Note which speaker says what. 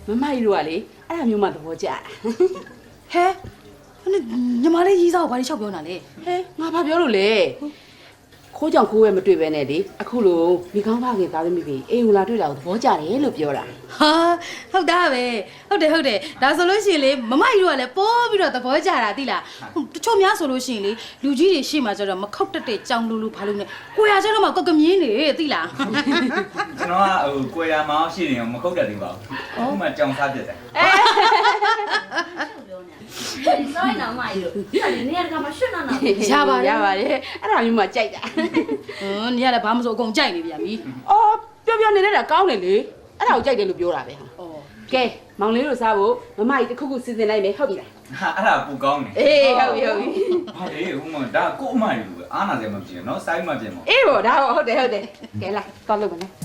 Speaker 1: မမကြီးတို့ကလေအဲ့ဒါမျိုးမှသဘောကျဟဲ့
Speaker 2: ညီမလေးရေးစားကိုဘာလို့လျှောက်ပြောနေတာလဲ
Speaker 1: ဟဲ့ငါဘာပြောလို့လဲခိုးကြောင်ခိုးဝဲမတွေ့ပဲနဲ့လေအခုလိုမိကောင်းဖခင်သားသမီးတွေအိမ်ဝင်လာတွေ့တာကိုသဘောကျတယ်လို့ပြောတာ
Speaker 2: ဟာဟုတ်တာပဲဟုတ်တယ်ဒါဆိုလို့ရှိရင်လေမမကြီးတို့ကလည်းပိုးပြီးတော့သဘောကျတာသိလားတချို့များဆိုလို့ရှိရင်လေလူကြီးတွေရှေ့မှာကျတော့မခောက်တက်တဲ့ကြောင်လူဘာလို့နဲ့ကိုရကျတော့မှကောက်ကမြင်းနေသိလား
Speaker 3: ကျွန်တော်ကဟိုကိုရမောင်းရှိနေအောင်မခုတ်တတ်သေးပါဘူးအခုမှကြောင်စားပြတ်တယ်
Speaker 4: 所以呢，嘛有，你那个嘛是那那。
Speaker 1: ရပါတယ်အဲ့ဒါမျိုးမှကြိုက်တာ
Speaker 2: ညီကလည်းဘာမှမဆိုအကုန်ကြိုက်နေပြန်ပြီ
Speaker 1: အော်ပြောနေတာကောင်းတယ်လေအဲ့ဒါကိုကြိုက်တယ်လို့ပြောတာပဲဟာ
Speaker 2: ဩ
Speaker 1: ကဲမောင်လေးတို့စားဖို့မမကြီးတစ်ခုခုစီစဉ်လိုက်မယ်ဟုတ်ပြီလား
Speaker 3: ဟာအဲ့ဒါပူကောင်းတယ်
Speaker 1: အေးဟုတ်ပြီ
Speaker 3: ဟာလေဟိုမှာဒါကို့အမယူအားနာစရာမဖြစ်နော်စိုင်းမပြင်းပါ
Speaker 1: အေးပေါ့ဒါဟုတ်တယ်ကဲလာသွားလို့မလဲ